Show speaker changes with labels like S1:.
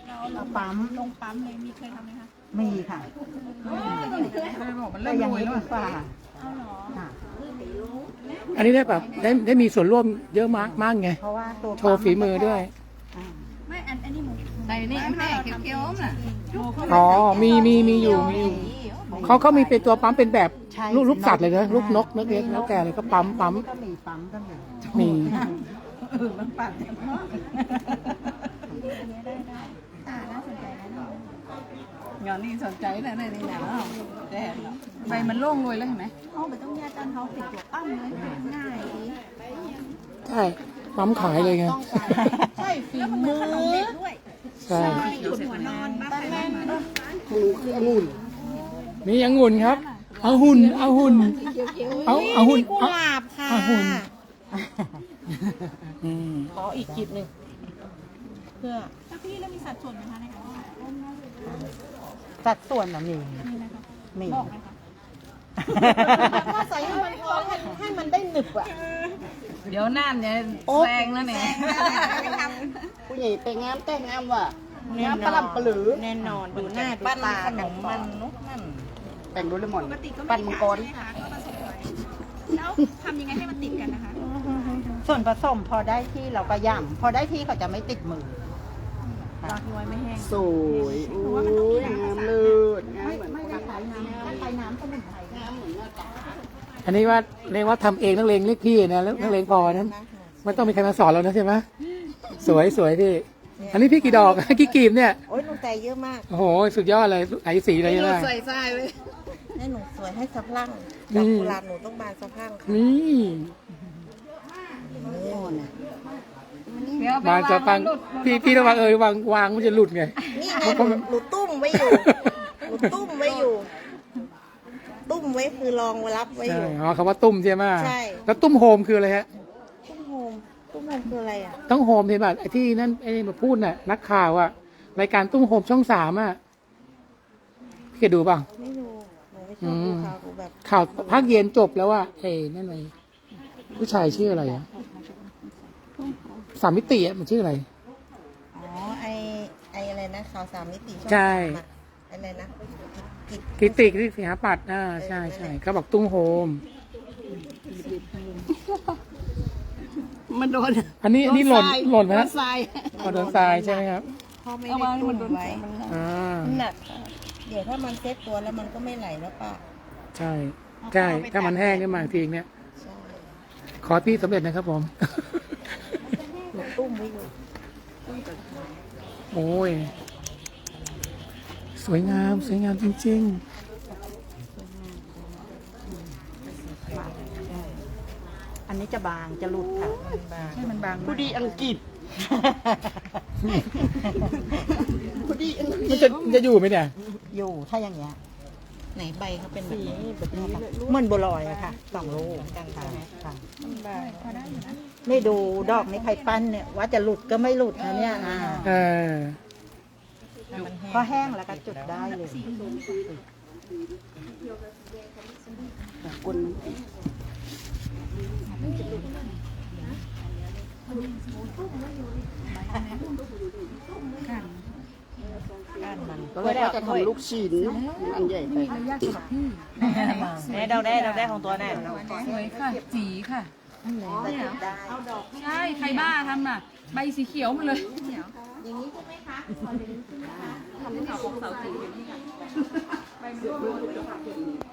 S1: เราปั๊ม
S2: ลงปั๊มเลยมีเคยทำไหมคะ
S1: มีค่ะ
S3: มัน
S1: แต่
S3: เริ่ม
S1: อย่าง
S3: รวย
S1: นี้
S3: แล้ว
S1: ดีกว่า
S2: เอาเหรอ
S1: ค่ะ
S4: อันนี้ได้แบบได้มีส่วนร่วมเยอะมากไง
S1: เพราะว่าตัว
S4: โชว์ฝีมือด้วย
S1: อ่า
S2: ไม่อันนี้หมู
S3: ใส่นี่แม่เคี้ยวๆน่ะ
S4: อ๋อมีอยู่เขามีเป็นตัวปั๊มเป็นแบบ
S1: ใช่
S4: ลูกสัตว์เลยนะลูกนกเล็กๆแล้วแต่เลยก็ปั๊ม
S1: ก็มีปั๊มก็มี
S4: มี
S3: มันปั่น
S2: อันนี้ได้น่าสนใจนะ
S3: งานนี้สนใจนะในนี้นะแดดใบมันโล่งรวยแล้วเห็นไหม
S2: อ๋อไม่ต้องแยกกันเขาติดตัวปั้มเลยง่ายดี
S4: ใช่ปั๊มขายเลยไง
S2: ใช่ฝีมือขนมเด็กด้วย
S4: ใช่
S2: จุดหัวนอนบ้านใครบ้านมัน
S4: มีองุ่นครับเอาหุ่นเอาหุ่น
S2: กุหลาบค่ะ
S4: เอาหุ่นอืม
S1: ขออีกจิบหนึ่งเพื่อ
S2: แล้วพี่แล้วมีสัดส่วนไหมคะในการว่า
S1: สัดส่วนน่ะมี
S2: มีไหมคะ
S1: มี
S2: บอกไหมคะ
S1: ถ้าใส่ให้มันพอให้มันได้หนึบอ่ะ
S3: เดี๋ยวน่านเนี่ยแซงแล้วเนี่ย
S1: ผู้ใหญ่ไปงามแต่งงามว่ะงามปลำปลือแน่นอนดูหน้าดู
S3: ปั้น
S1: ตา
S3: ขน
S1: กัน
S3: มมันนุกนั่น
S1: แต่งดูเลมอน
S2: ปกติก็ไม่
S1: ปั่น
S2: ได้
S1: มัง
S2: ขาก
S1: ร
S2: ยใช่ไหมคะก็ผสมไว้แล้วทำยังไงให้มันติดกันนะคะ
S1: ส่วนผสมพอได้ที่เราก็ย่ำพอได้ที่เขาจะไม่ติดมือ
S2: วางไว้ไม่แห้ง
S1: สวยอุ้ยงามเลิศงามเหมือนไม่ได้ใช้น้ำถ้าใช้น้ำสมุนไพรงามเหมือนเนื้อจ๋า
S4: อันนี้ว่าเรียกว่าทำเองนักเลงเรียกพี่นะแล้วนักเลงพอนั้นไม่ต้องมีใครมาสอนเรานะใช่ไหมสวยพี่อันนี้พี่กี่ดอก กี่กีบเนี่ย
S1: โอ้ยหนูใจเยอะมาก
S4: โอ้โหสุดยอดเลยไอ้สีอะไรเนี่ย
S3: ใส่ทรายเลย
S1: ให้หนูสวยให้สะพรั่ง
S4: นี่
S1: ดอกกุหลาบหนูต้องบานสะพรั่งค่ะ
S4: นี่
S1: โน่นน่ะ
S4: บานจะฟังพี่ระวังวางมันจะหลุดไง
S1: นี่ไงหนูตุ้มไว้อยู่หนูตุ้มไว้อยู่ ตุ้มไว้คือรองไว้รับไว้อ
S4: ใช่
S1: ยู่
S4: อ๋อคำว่าตุ้มใช่ไหม
S1: ใช่
S4: แล้วตุ้มโฮมคืออะไรฮะ
S1: ตุ้มโฮมตุ้มโฮมคืออะไรอ่ะ
S4: ต้องโฮมเห็นป่ะไอ้ที่นั่นไอ้มาพูดน่ะนักข่าวอะรายการตุ้มโฮมช่อง3อะพี่เคยดูป่ะ
S1: ไม่รู้หนูไม่ชอบดูข่าวหนูแบบ
S4: ข่าวภาคเย็นจบแล้วว่าเอ้นั่นไงผู้ชายชื่ออะไรอะ3 มิติอะมันชื่ออะไร
S1: อ๋อไออะไรนะข่าว3 มิติอง
S4: ใช่
S1: สามอะอะไรนะกิจ
S4: กิติที่สิหาปัดใช่เขาบอกตุ้มโฮม
S3: มันโดน
S4: อันนี้หล่นไหม
S3: โด
S4: ฮะ
S3: นทราย
S4: อ๋อโดนทรายใช่ไหมครับ
S1: พ่อไม่
S3: เอา
S1: ได้
S3: วาง
S1: ตุ้
S3: มัน
S1: ม
S3: โดน
S1: ไว้
S4: อ่า
S3: หนัก
S1: เดี๋ยวถ้ามันเซ็ตตัวแล้วมันก็ไม่ไหลแล้วป่ะ
S4: ใช่ถ้ามันแห้งขึ้นมาอีกทีเนี่ย
S1: ใช่
S4: ขอพี่สำเร็จนะครับผม
S1: หนูตุ้มไว้อยู่
S4: โอ้ยสวยงามจริง
S1: อันนี้จะบางจะหลุดค่ะ
S3: ให้มันบาง
S1: ผู้ดีอังกฤษผู้ดีอังก
S4: ๆ
S1: ฤ
S4: มัน
S1: ษ
S4: จะอยู่ไหมเนี่ย
S1: อยู่ถ้าอย่างเงี้ยไหนใบเขาเป็นแบบนี้แบบนี้ค่ะเหมือนบัวลอยอะค่ะ2 ลูกกันค่ะนี่ดูดอกนี้ใครปั้นเนี่ยว่าจะหลุดก็ไม่หลุดนะเนี่ย
S4: เออ
S1: พอแห้งแล้วก็จุดได้เลยกุนก้านมันก็เลยว่าจะทำลูกชิ้นอันใหญ่ไป เราได้ของตัวแน่
S3: สวยค่ะสีค่ะ
S1: ได้
S3: ใช่ใครบ้าทำน่ะ ใบสีเขียวมันเลย
S1: อย่างนี้ใช่ไหมคะ
S3: ทำข่าวของเสาสีอยู่นี่ค่ะใบมันร่วง